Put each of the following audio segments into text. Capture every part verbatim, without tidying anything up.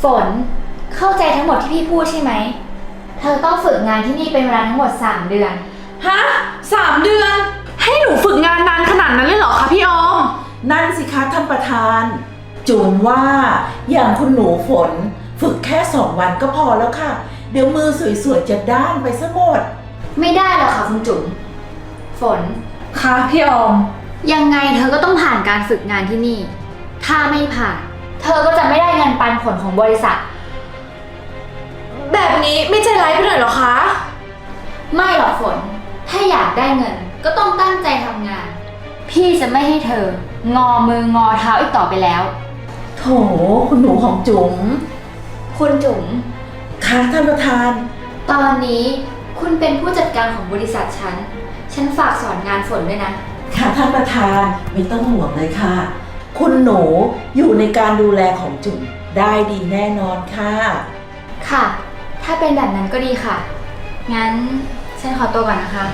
ฝนเข้าใจทั้งหมดที่พี่พูดใช่ไหมเธอต้องฝึกงานที่นี่เป็นเวลาทั้งหมดสามเดือนฮะสามเดือนให้หนูฝึกงานนานขนาดนั้นเลยเหรอคะพี่ออมนั่นสิคะท่านประธานจูนว่าอย่างคุณหนูฝนฝึกแค่สองวันก็พอแล้วค่ะเดี๋ยวมือสวยๆจะด้านไปซะหมดไม่ได้หรอกค่ะคุณจุ๋มฝนค่ะพี่ออมยังไงเธอก็ต้องผ่านการฝึกงานที่นี่ถ้าไม่ผ่านเธอก็จะไม่ได้เงินปันผลของบริษัทแบบนี้ไม่ใจร้ายไปหน่อยเหรอคะไม่หรอกฝนถ้าอยากได้เงินก็ต้องตั้งใจทำงานพี่จะไม่ให้เธองอมืองอเท้าอีกต่อไปแล้วโถคุณหนูของจุ๋มคุณจุ๋มค่ะท่านประธานตอนนี้คุณเป็นผู้จัดการของบริษัทฉันฉันฝากสอนงานฝนด้วยนะค่ะท่านประธานไม่ต้องห่วงเลยค่ะคุณหนูอยู่ในการดูแลของจุ๋มได้ดีแน่นอนค่ะค่ะถ้าเป็นแบบนั้นก็ดีค่ะงั้นฉันขอตัวก่อนนะคะ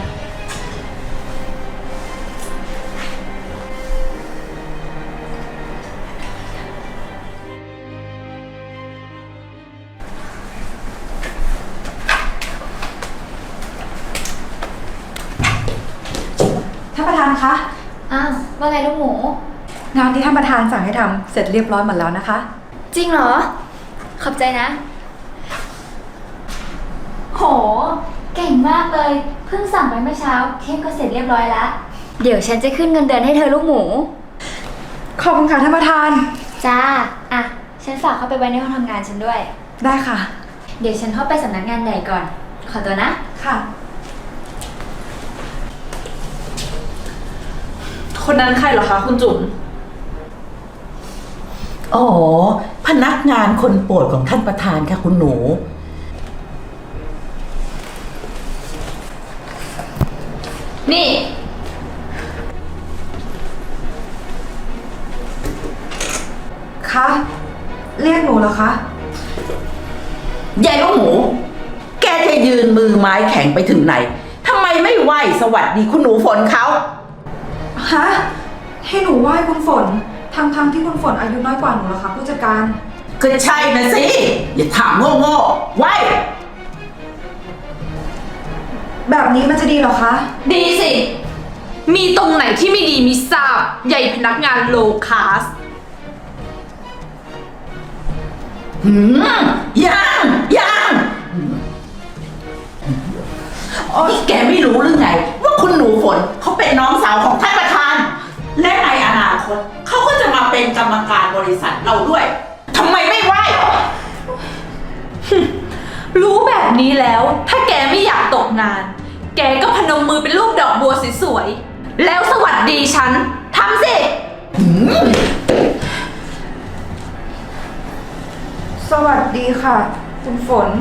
ท่านประธานคะอ้าวว่าไงลูกหมูงานที่ท่านประธานสั่งให้ทำเสร็จเรียบร้อยหมดแล้วนะคะจริงเหรอขอบใจนะโหเก่งมากเลยเพิ่งสั่งไปเมื่อเช้าเค้กก็เสร็จเรียบร้อยแล้วเดี๋ยวฉันจะขึ้นเงินเดือนให้เธอลูกหมูขอบคุณค่ะท่านประธานจ้าอ่ะฉันฝากเข้าไปไว้ในห้องทำงานฉันด้วยได้ค่ะเดี๋ยวฉันเข้าไปสำนักงานใหญ่ก่อนขอตัวนะค่ะคนนั้นใครเหรอคะคุณจุ๋มอ๋อพนักงานคนโปรดของท่านประธานค่ะคุณหนูนี่คะเรียกหนูเหรอคะยายลูกหมูแกจะยืนมือไม้แข็งไปถึงไหนทำไมไม่ไหวสวัสดีคุณหนูฝนเขาฮะให้หนูไหว้คุณฝนทั้งทั้งที่คุณฝนอายุน้อยกว่าหนูเหรอคะผู้จัดการก็ใช่นะสิอย่าถามโง่ๆไหวแบบนี้มันจะดีเหรอคะดีสิมีตรงไหนที่ไม่ดีมิทราบใหญ่พนักงานโลคาสหืมยังยังอ๋อแกไม่รู้หรือไงว่าคุณหนูฝนเขาเป็นน้องสาวของท่านประธานและในอนาคตเขาก็จะมาเป็นกรรมการบริษัทเราด้วยทำไมไม่ไหวรู้แบบนี้แล้วถ้าแกไม่อยากตกงานแกก็พนมมือเป็นรูปดอกบัวสวยๆแล้วสวัสดีฉันทำสิสวัสดีค่ะคุณฝน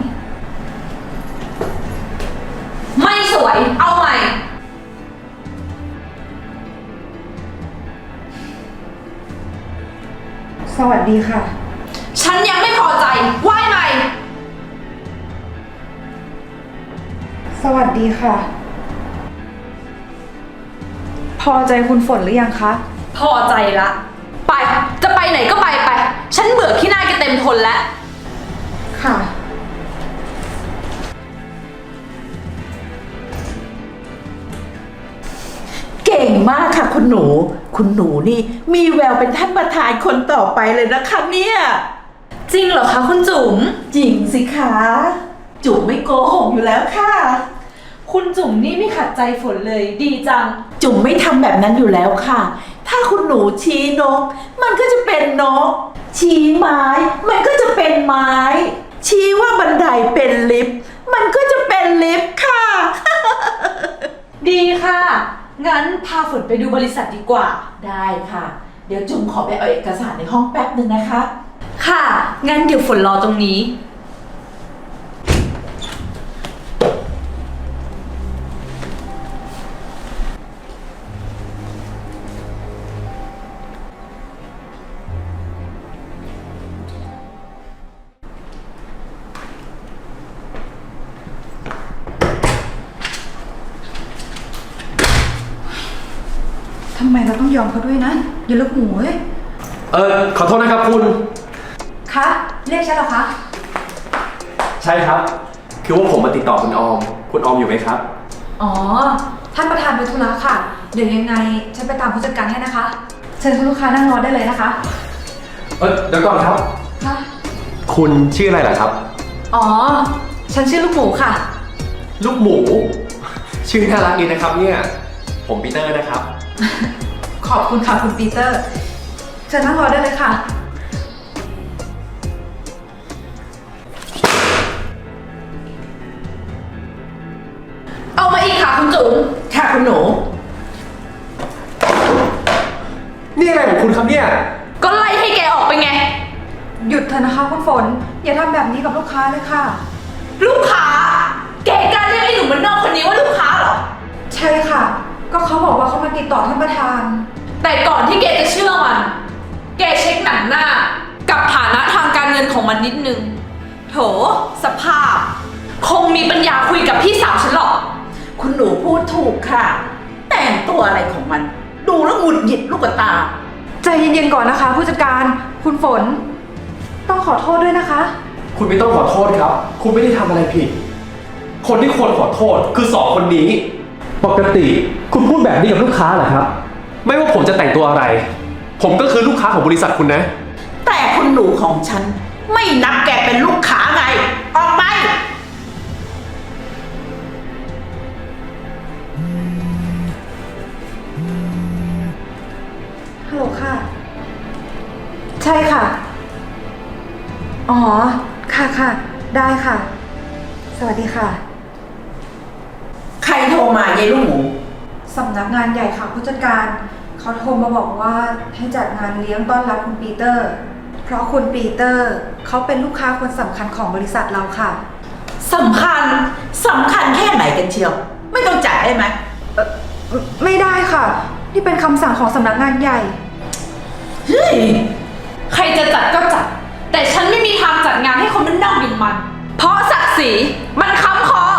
ไม่สวยเอาใหม่สวัสดีค่ะฉันยังไม่พอใจไหว้ใหม่สวัสดีค่ะพอใจคุณฝนหรือยังคะพอใจละไปจะไปไหนก็ไปไปฉันเบื่อขี้หน้าแกเต็มทนแล้วค่ะเก่งมากค่ะคุณหนูคุณหนูนี่มีแววเป็นท่านประธานคนต่อไปเลยนะคะเนี่ยจริงเหรอคะคุณจุ๋มจริงสิคะจุ๋มไม่โกหกอยู่แล้วค่ะคุณจุ๋มนี่ไม่ขัดใจฝนเลยดีจังจุ๋มไม่ทำแบบนั้นอยู่แล้วค่ะถ้าคุณหนูชี้นกมันก็จะเป็นนกชี้ไม้มันก็จะเป็นไม้ชี้ว่าบันไดเป็นลิฟต์มันก็จะเป็นลิฟต์ค่ะดีค่ะงั้นพาฝนไปดูบริษัทดีกว่าได้ค่ะเดี๋ยวจุ๋มขอไปเอาเอกสารในห้องแป๊บนึงนะคะค่ะงั้นเดี๋ยวฝนรอตรงนี้ทำไมเราต้องยอมเขาด้วยนะอย่าเลิกหมูเว้ยเออขอโทษนะครับคุณคะเรียกฉันเหรอคะใช่ครับ คือว่าผมมาติดต่อคุณออม คุณออมอยู่ไหมครับอ๋อ ท่านประธานไปธุระค่ะ เดี๋ยวยังไงฉันไปตามผู้จัดการให้นะคะ เชิญคุณลูกค้านั่งรอได้เลยนะคะเออเดี๋ยวก่อนครับค่ะคุณชื่ออะไรล่ะครับอ๋อ ฉันชื่อลูกหมูค่ะลูกหมู ชื่อน่ารักดีนะครับเนี่ย ผมปีเตอร์นะครับขอบคุณค่ะคุณปีเตอร์ เชิญนั่งรอได้เลยค่ะเอามาอีกค่ะคุณจุ๋มค่ะคุณหนูนี่อะไรของคุณครับเนี่ยก็ไล่ให้แกออกไปไงหยุดเถอะนะคะคุณฝน อย่าทำแบบนี้กับลูกค้าเลยค่ะลูกค้า แกกล้าเรียกไอ้หนุ่มมันนอกคนนี้ว่าลูกค้าเหรอใช่ค่ะ ก็เขาบอกว่าเขามาติดต่อท่านประธานแต่ก่อนที่แกจะเชื่อมัน แกเช็คหนังหน้า กับฐานะทางการเงินของมันนิดนึง โถ สภาพ คงมีปัญญาคุยกับพี่สาวฉันหรอกคุณหนูพูดถูกค่ะ แต่งตัวอะไรของมัน ดูแล้วหงุดหงิดลูกตาใจเย็นๆก่อนนะคะ ผู้จัดการ คุณฝน ต้องขอโทษด้วยนะคะคุณไม่ต้องขอโทษครับ คุณไม่ได้ทำอะไรผิด คนที่ควรขอโทษคือสองคนนี้ ปกติคุณพูดแบบนี้กับลูกค้าเหรอครับ ไม่ว่าผมจะแต่งตัวอะไร ผมก็คือลูกค้าของบริษัทคุณนะแต่คุณหนูของฉัน ไม่นับแกเป็นลูกค้าไง ออกไปฮัลโหลค่ะ ใช่ค่ะ อ๋อ ค่ะค่ะ ได้ค่ะ สวัสดีค่ะใครโทรมายายลูกหมูสำนักงานใหญ่ค่ะผู้จัดการ เขาโทรมาบอกว่าให้จัดงานเลี้ยงต้อนรับคุณปีเตอร์ เพราะคุณปีเตอร์เขาเป็นลูกค้าคนสำคัญของบริษัทเราค่ะสำคัญ สำคัญแค่ไหนกันเชียว ไม่ต้องจัดได้ไหมเอ่อไม่ได้ค่ะ นี่เป็นคำสั่งของสำนักงานใหญ่เฮ้ยใครจะจัดก็จัด แต่ฉันไม่มีทางจัดงานให้คนมันนอกอย่างมัน เพราะศักดิ์ศรีมันค้ำคอ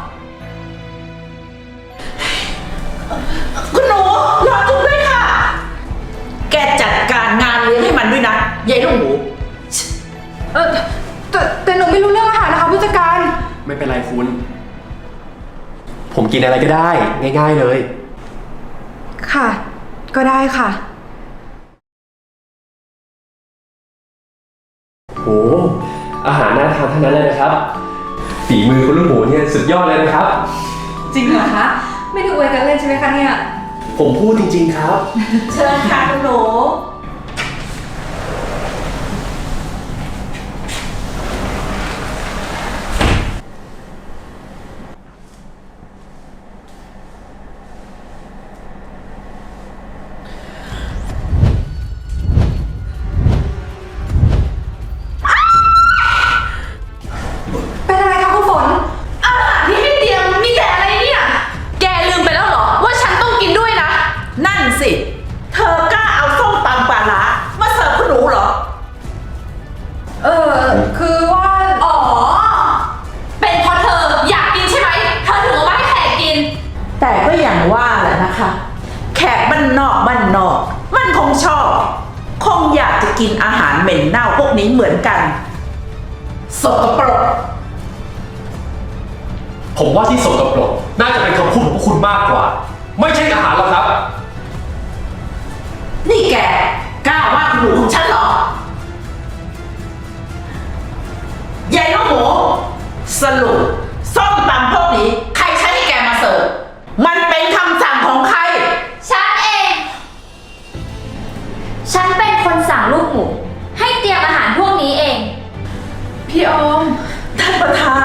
คุณหนูรอจุ๊บด้วยค่ะ แกจัดการงานเลี้ยงให้มันด้วยนะยายลูกหมูเออแต่แต่หนูไม่รู้เรื่องอาหารนะคะผู้จัดการไม่เป็นไรคุณ ผมกินอะไรก็ได้ ง่าย ๆเลยค่ะ ก็ได้ค่ะโห อาหารน่าทานทั้งนั้นเลยนะครับ ฝีมือคุณลูกหมูเนี่ยสุดยอดเลยนะครับจริงเหรอคะ ไม่ได้อวยกันเล่นใช่ไหมคะเนี่ยผมพูดจริงๆครับเชิญค่ะคุณหนูเป็นอะไรคะคุณฝนอาหารที่ให้เตรียมมีแต่อะไรเนี่ย แกลืมไปแล้วเหรอ ว่าฉันต้องกินด้วยนะนั่นสิ เธอกล้าเอาส้มตำปลาร้ามาเสิร์ฟคุณหนูเหรอเออ คือว่าอ๋อ เป็นเพราะเธออยากกินใช่ไหม เธอถึงเอามาให้แขกกินแต่ก็อย่างว่าแหละนะคะ แขกบ้านนอกบ้านนอก มันคงชอบ คงอยากจะกินอาหารเหม็นเน่าพวกนี้เหมือนกันสกปรกผมว่าที่สกปรกน่าจะเป็นคำพูดของพวกคุณมากกว่า ไม่ใช่อาหารหรอกครับนี่แกกล้าว่าคุณหนูของฉันเหรอ ยายลูกหมู สรุปส้มตำพวกนี้ ใครใช้ให้แกมาเสิร์ฟ มันเป็นคำสั่งของใครฉันเอง ฉันเป็นคนสั่งลูกหมู ให้เตรียมอาหารพวกนี้เองพี่ออมท่านประธาน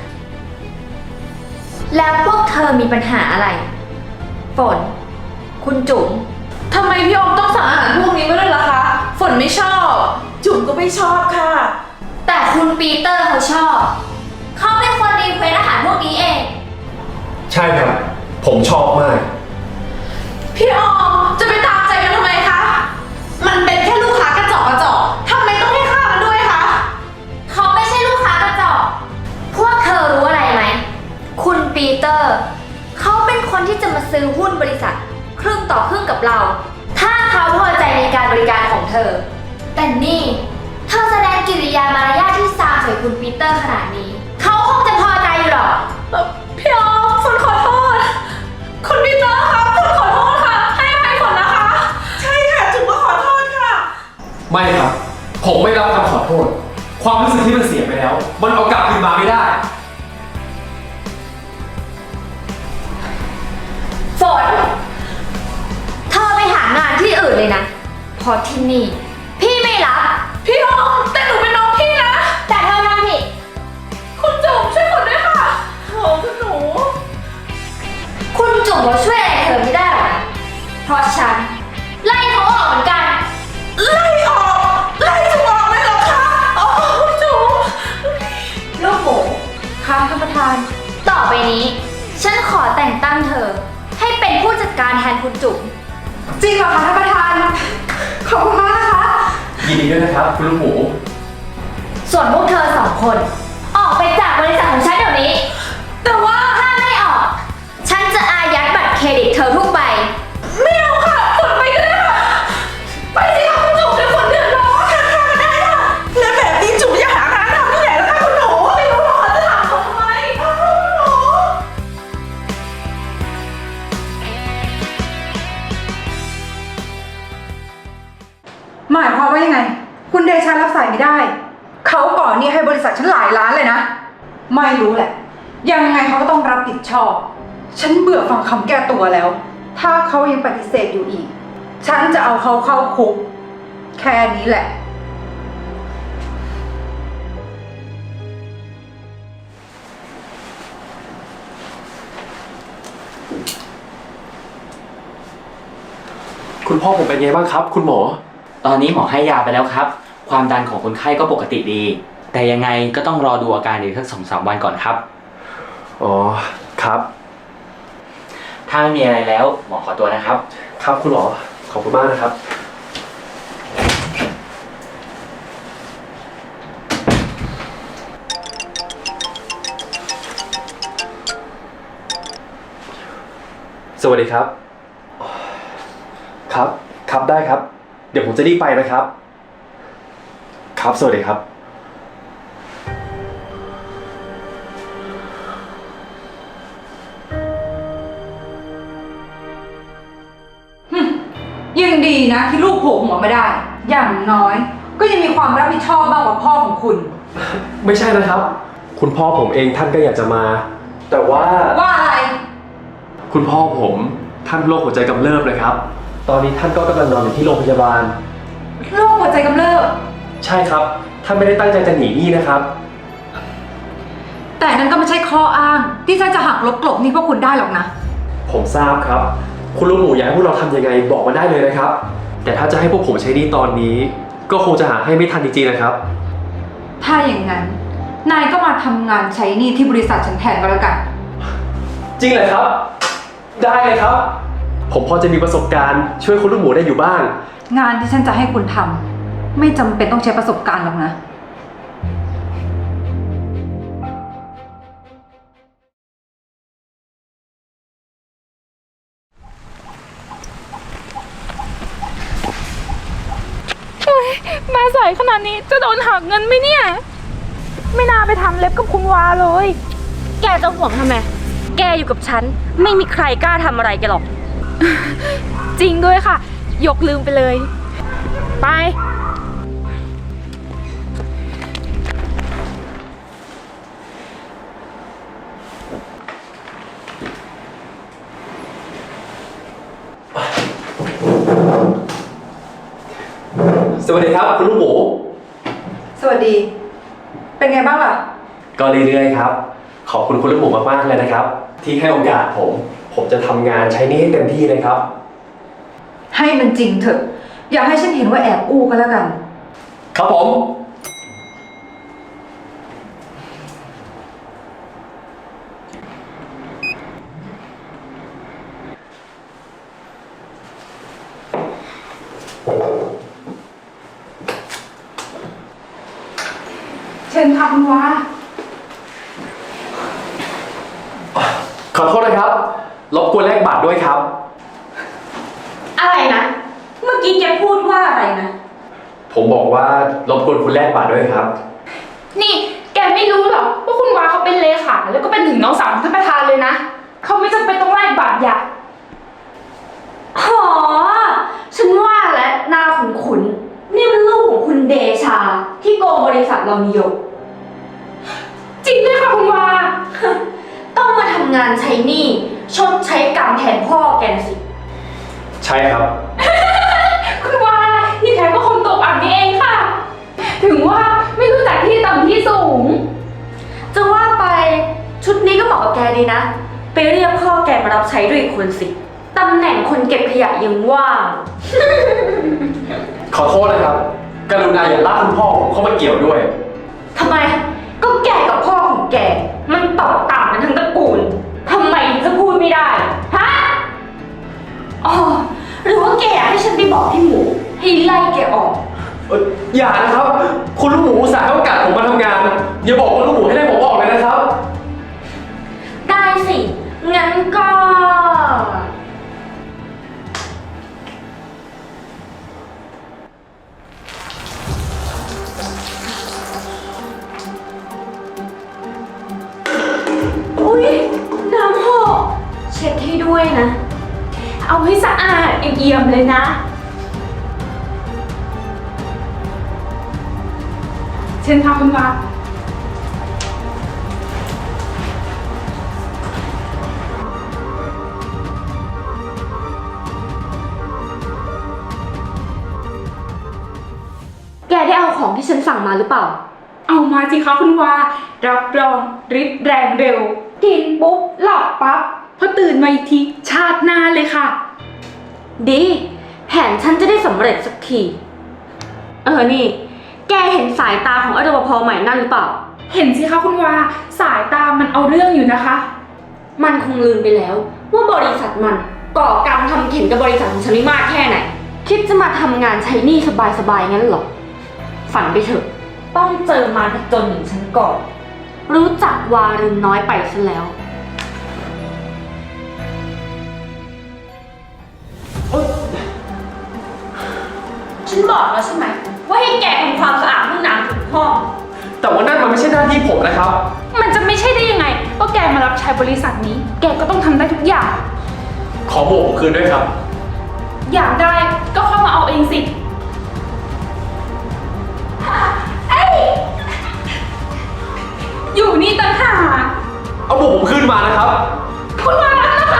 แล้วพวกเธอมีปัญหาอะไร ฝน คุณจุ๋มทำไมพี่ออมต้องสั่งอาหารพวกนี้มาด้วยล่ะคะ ฝนไม่ชอบจุ๋มก็ไม่ชอบค่ะแต่คุณปีเตอร์เขาชอบ เขาเป็นคนรีเควสอาหารพวกนี้เองใช่ครับ ผมชอบมากพี่ออมจะไปตามใจมันทำไมคะ มันเป็นแค่ลูกค้ากระจอกกระจอกทำไมต้องให้ค่ามันด้วยคะเขาไม่ใช่ลูกค้ากระจอก พวกเธอรู้อะไรไหม คุณปีเตอร์ เขาเป็นคนที่จะมาซื้อหุ้นบริษัท ครึ่งต่อครึ่งกับเรา ถ้าเขาพอใจในการบริการของเธอ แต่นี่ เธอแสดงกิริยามารยาทที่ซามใส่คุณปีเตอร์ขนาดนี้ เขาคงจะพอใจอยู่หรอกเอ่อพี่ออมฝนขอโทษ คุณปีเตอร์ครับฝนขอโทษค่ะ ให้อภัยฝนนะคะใช่ค่ะจุ๋มก็ขอโทษค่ะไม่ครับ ผมไม่รับคำขอโทษ ความรู้สึกที่มันเสียไปแล้ว มันเอากลับคืนมาไม่ได้ฝน เธอไปหางานที่อื่นเลยนะ เพอที่นี่ พี่ไม่รับพี่ออมแต่หนูเป็นน้องพี่นะแต่เธอทำผิดคุณจุ๋มช่วยฝนด้วยค่ะโอ้คุณหนูคุณจุ๋มเขาช่วยอะไรเธอไม่ได้หรอกนะเพราะฉัน ไล่เขาออกเหมือนกันไล่ออก ไล่จุ๋มออกเลยเหรอคะอ๋อคุณจุ๋มลูกหมูค่ะท่านประธานต่อไปนี้ ฉันขอแต่งตั้งเธอ ให้เป็นผู้จัดการแทนคุณจุ๋มจริงเหรอคะท่านประธาน ขอบคุณมากนะคะยินดีด้วยนะครับ คุณลูกหมูส่วนพวกเธอสองคน ออกไปจากบริษัทของฉันเดี๋ยวนี้ แต่ว่าถ้าไม่ออก ฉันจะอายัดบัตรเครดิตเธอทุกใบไม่เอาค่ะฝนไปก็ได้ค่ะ ไปสิค่ะคุณจุ๋มเดี๋ยวฝนเดือดร้อนค่ะค่ะได้ค่ะแล้วแบบนี้จุ๋มจะหางานทำที่ไหนล่ะคะคุณหนูไม่รู้หรอกค่ะจะถามเขาทำไมอ้าวคุณหนูหมายความว่ายังไง คุณเดชารับสายไม่ได้ เขาก่อนหนี่ให้บริษัทฉันหลายล้านเลยนะ ไม่รู้แหละ ยังไงเขาก็ต้องรับผิดชอบ ฉันเบื่อฟังคำแก้ตัวแล้ว ถ้าเขายังปฏิเสธอยู่อีก ฉันจะเอาเขาเข้าคุก แค่นี้แหละคุณพ่อผมเป็นไงบ้างครับ คุณหมอตอนนี้หมอให้ยาไปแล้วครับ ความดันของคนไข้ก็ปกติดี แต่ยังไงก็ต้องรอดูอาการอีกสักสองสามวันก่อนครับอ๋อ ครับถ้าไม่มีอะไรแล้วหมอขอตัวนะครับครับคุณหมอ ขอบคุณมากนะครับ สวัสดีครับ ครับ ครับได้ครับ เดี๋ยวผมจะรีบไปนะครับ ครับ สวัสดีครับยังดีนะที่ลูกโผล่หัวมาได้ อย่างน้อย ก็ยังมีความรับผิดชอบมากกว่าพ่อของคุณไม่ใช่นะครับ คุณพ่อผมเองท่านก็อยากจะมา แต่ว่าว่าอะไรคุณพ่อผมท่านโรคหัวใจกำเริบเลยครับ ตอนนี้ท่านก็กำลังนอนอยู่ที่โรงพยาบาลโรคหัวใจกำเริบใช่ครับ ท่านไม่ได้ตั้งใจจะหนีหนี้นะครับแต่นั่นก็ไม่ใช่ข้ออ้าง ที่ฉันจะหักลบกลบหนี่พวกคุณได้หรอกนะผมทราบครับ คุณลุงหมูอยากให้พวกเราทำยังไงบอกมาได้เลยนะครับ แต่ถ้าจะให้พวกผมใช้หนี้ตอนนี้ ก็คงจะหาให้ไม่ทันจริงๆนะครับถ้าอย่างนั้น นายก็มาทำงานใช้หนี้ที่บริษัทฉันแทนก็แล้วกันจริงเลยครับ ได้เลยครับ ผมพอจะมีประสบการณ์ช่วยคุณลุงหมูได้อยู่บ้างงานที่ฉันจะให้คุณทำไม่จำเป็นต้องใช้ประสบการณ์หรอกนะมาสายขนาดนี้จะโดนหักเงินไหมเนี่ย ไม่น่าไปทำเล็บกับคุณวาเลยแกจะห่วงทำไม แกอยู่กับฉัน ไม่มีใครกล้าทำอะไรแกหรอกจริงด้วยค่ะ ยกลืมไปเลย ไปสวัสดีครับ คุณลุงหมูสวัสดี เป็นไงบ้างล่ะก็เรื่อยๆครับ ขอบคุณคุณลุงหมูมากๆเลยนะครับ ที่ให้โอกาสผม ผมจะทำงานใช้หนี้ให้เต็มที่เลยครับให้มันจริงเถอะ อย่าให้ฉันเห็นว่าแอบอู้ก็แล้วกันครับผมเชิญค่ะคุณวาขอโทษนะครับ รบกวนแลกบัตรด้วยครับอะไรนะ เมื่อกี้แกพูดว่าอะไรนะผผมบอกว่ารบกวนคุณแลกบัตรด้วยครับนี่แกไม่รู้หรอว่าคุณวาเขาเป็นเลขาแล้วก็เป็นถึงน้องสาวของท่านประธานเลยนะเขาไม่จำเป็นต้องแลกบัตรอย่าอ๋อ ฉันว่าและหน้าขุนๆนี่มันลูกของคุณเดชาที่โกงบริษัทเรานิยมจริงด้วยค่ะคุณวาต้องมาทำงานใช้หนี้ชดใช้กรรมแทนพ่อแกน่ะสิใช่ครับคุณวาที่แท้ก็คนตกอับนี่เองค่ะ ถึงว่าไม่รู้จักที่ต่ำที่สูงจะว่าไปชุดนี้ก็เหมาะกับแกดีนะ ไปเรียกพ่อแกมารับใช้ด้วยอีกคนสิ ตำแหน่งคนเก็บขยะยังว่างขอโทษนะครับ กรุณาอย่าลากคุณพ่อผมเข้ามาเกี่ยวด้วยทำไม ก็แกกับพ่อของแก มันต่อต่างกันทั้งตระกูล ทำไมถึงจะพูดไม่ได้ ฮะ อ๋อ หรือว่าแกอยากให้ฉันไปบอกพี่หมูให้ไล่แกออกเอ่ออย่านะครับ คุณลูกหมูอุตส่าห์ให้โอกาสผมมาทำงาน อย่าบอกคุณลูกหมูให้ไล่ผมออกเลยนะครับได้สิ งั้นก็ อุ๊ย น้ำหกเช็ดให้ด้วยนะเอาให้สะอาดเอี่ยมๆเลยนะ เชิญค่ะคุณวาแกได้เอาของที่ฉันสั่งมาหรือเปล่าเอามาสิคะคุณวา รับรองฤทธิ์แรงเร็ว กินปุ๊บหลับปั๊บพอตื่นมาอีกทีชาติหน้าเลยค่ะดี แผนฉันจะได้สำเร็จสักที เออ นี่ แกเห็นสายตาของอรปภใหม่นั่นหรือเปล่าเห็นสิคะคุณวา สายตามันเอาเรื่องอยู่นะคะมันคงลืมไปแล้ว ว่าบริษัทมันก่อกรรมทำเข็นกับบริษัทของฉันไม่มากแค่ไหน คิดจะมาทำงานใช้หนี้สบายๆงั้นเหรอ ฝันไปเถอะ ต้องเจอมารจนอย่างฉันก่อน รู้จักวารินน้อยไปซะแล้ว ฉันบอกแล้วใช่ไหม ว่าให้แกทำความสะอาดห้องน้ำทุกห้องแต่ว่านั่นมันไม่ใช่หน้าที่ผมนะครับมันจะไม่ใช่ได้ยังไงก็แกมารับใช้บริษัทนี้ แกก็ต้องทำได้ทุกอย่างขอโบกผมคืนด้วยครับอยากได้ก็เข้ามาเอาเองสิ อยู่นี่ต่างหากเอาโบกผมคืนมานะครับคุณวารับนะคะ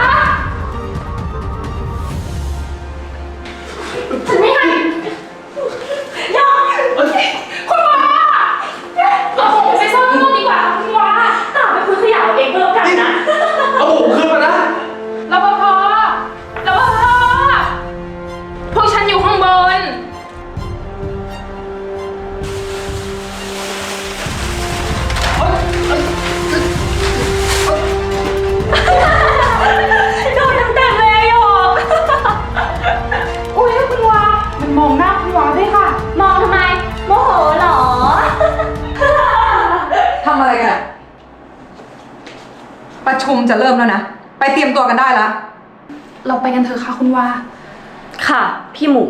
ฉันไม่ให้ยอมคุณวาเราคงไปซ่อนข้างนอกดีกว่าค่ะคุณวาตามไปคุยขยะเอาเองก็แล้วกันนะเอาโบกผมคืนมานะรปภ รปภ พวกฉันอยู่ข้างบนโดนเต็มๆเลยอะหยกอุ้ยคุณวา มันมองหน้าคุณวาด้วยค่ะมองทำไม โมโหเหรอทำอะไรกันอะประชุมจะเริ่มแล้วนะ ไปเตรียมตัวกันได้ละเราไปกันเถอะค่ะคุณวาค่ะ พี่หมู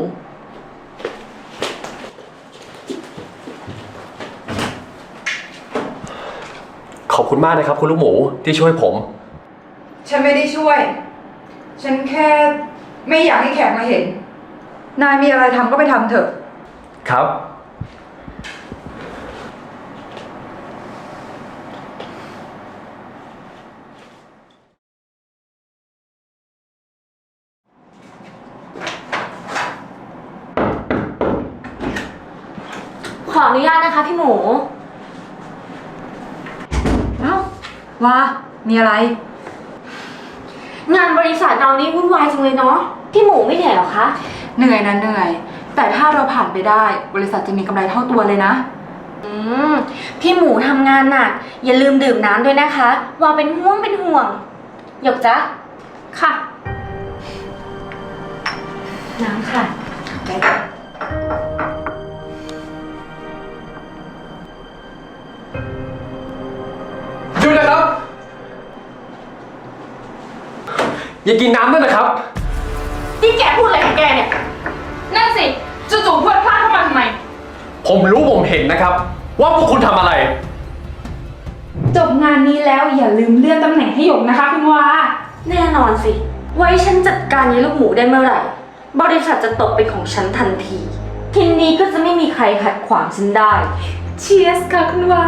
ขอบคุณมากนะครับ คุณลูกหมูที่ช่วยผมฉันไม่ได้ช่วย ฉันแค่ไม่อยากให้แขกมาเห็น นายมีอะไรทำก็ไปทำเถอะครับขออนุญาตนะคะพี่หมูเอ้าว่ามีอะไรงานบริษัทเรานี่วุ่นวายจังเลยเนาะ พี่หมูไม่เหนื่อยเหรอคะเหนื่อยนะเหนื่อย แต่ถ้าเราผ่านไปได้ บริษัทจะมีกำไรเท่าตัวเลยนะอืม พี่หมูทำงานหนัก อย่าลืมดื่มน้ำด้วยนะคะ ว่าเป็นห่วงเป็นห่วง หยกจ๊ะค่ะน้ำค่ะหยุดนะครับ อย่ากินน้ำด้วยนะครับนี่แกพูดอะไรของแกเนี่ยนั่นสิจู่ๆพวดพลาดเข้ามาทำไมผมรู้ผมเห็นนะครับ ว่าพวกคุณทำอะไรจบงานนี้แล้วอย่าลืมเลื่อนตำแหน่งให้หยกนะคะคุณวาแน่นอนสิ ไว้ฉันจัดการยายลูกหมูได้เมื่อไหร่ บริษัทจะตกเป็นของฉันทันที ทีนี้ก็จะไม่มีใครขัดขวางฉันได้เชียร์สค่ะคุณวา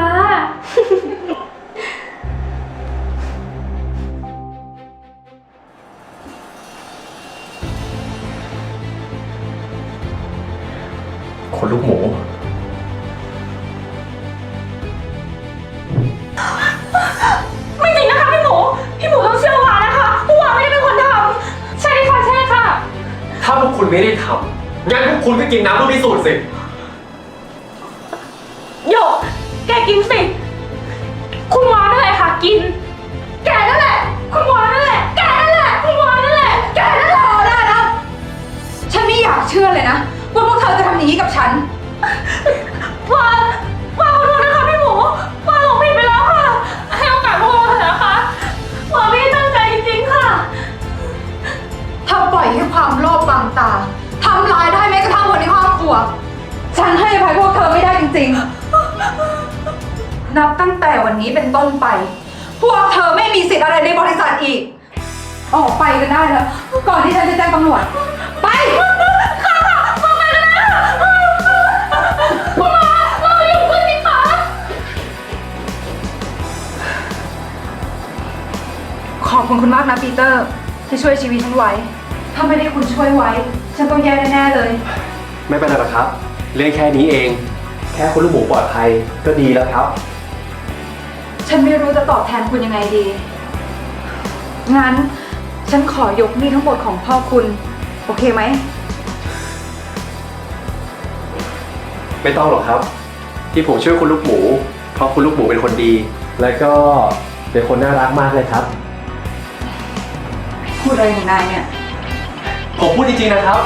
คนลูกหมูไม่จริงนะคะพี่หมู พี่หมูต้องเชื่อวานะคะวาไม่ได้เป็นคนทำใช่ค่ะใช่ค่ะถ้าพวกคุณไม่ได้ทำงั้นพวกคุณก็กินน้ำลูกพิสูจน์สิโยก แกกินสิคุณวานั่นแหละค่ะกิน แกนั่นแหละ คุณวานั่นแหละ แกนั่นแหละ คุณวานั่นแหละ แกนั่นแหละพอได้แล้ว ฉันไม่อยากเชื่อเลยนะ ว่าพวกเธอจะทำอย่างนี้กับฉันวาวาขอโทษนะคะพี่หมูวาหลงผิดไปแล้วค่ะ ให้โอกาสพวกเราเถอะนะคะวาไม่ได้ตั้งใจจริงๆค่ะถ้าปล่อยให้ความโลภบังตาทำลายได้แม้กระทั่งคนในครอบครัว ฉันให้อภัยพวกเธอไม่ได้จริงๆ นับตั้งแต่วันนี้เป็นต้นไป พวกเธอไม่มีสิทธิ์อะไรในบริษัทอีก ออกไปกันได้แล้ว ก่อนที่ฉันจะแจ้งตำรวจ ไป ขอบคุณคุณมากนะปีเตอร์ ที่ช่วยชีวิตฉันไว้ ถ้าไม่ได้คุณช่วยไว้ ฉันต้องแย่แน่ๆเลยไม่เป็นไรหรอกครับ เรื่องแค่นี้เอง แค่คนลูกหมูปลอดภัยก็ดีแล้วครับฉันไม่รู้จะตอบแทนคุณยังไงดี งั้น ฉันขอยกหนี้ทั้งหมดของพ่อคุณ โอเคไหมไม่ต้องหรอกครับ ที่ผมช่วยคุณลูกหมู เพราะคุณลูกหมูเป็นคนดี และก็เป็นคนน่ารักมากเลยครับพูดอะไรของนายเนี่ยผมพูดจริงๆนะครับ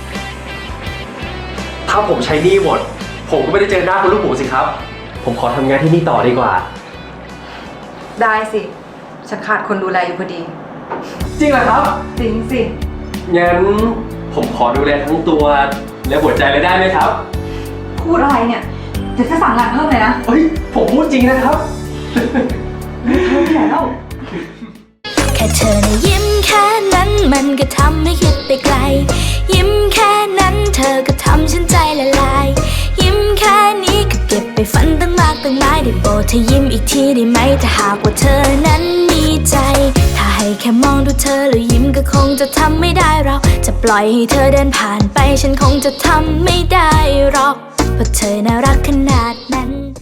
ถ้าผมใช้หนี้หมด ผมก็ไม่ได้เจอหน้าคุณลูกหมูสิครับ ผมขอทำงานที่นี่ต่อดีกว่าได้สิ ฉันขาดคนดูแลอยู่พอดีจริงเหรอครับจริงสิงั้นผมขอดูแลทั้งตัวและหัวใจเลยได้ไหมครับพูดอะไรเนี่ยเดี๋ยวจะสั่งงานเพิ่มเลยนะเฮ้ย ผมพูดจริงนะครับแล้วแค่เธอนะยิ้มแค่นั้นมันก็ทำให้คิดไปไกล ยิ้มแค่นั้นเธอก็ทำฉันใจละลาย ยิ้มแค่นี้ก็เก็บไปฝันตั้งมากตั้งหลายได้โปรดเธอยิ้มอีกทีได้ไหมถ้าหากว่าเธอนั้นมีใจ ถ้าให้แค่มองดูเธอแล้วยิ้มก็คงจะทำไม่ได้เราจะปล่อยให้เธอเดินผ่านไปฉันคงจะทำไม่ได้หรอกเพราะเธอน่ารักขนาดนั้น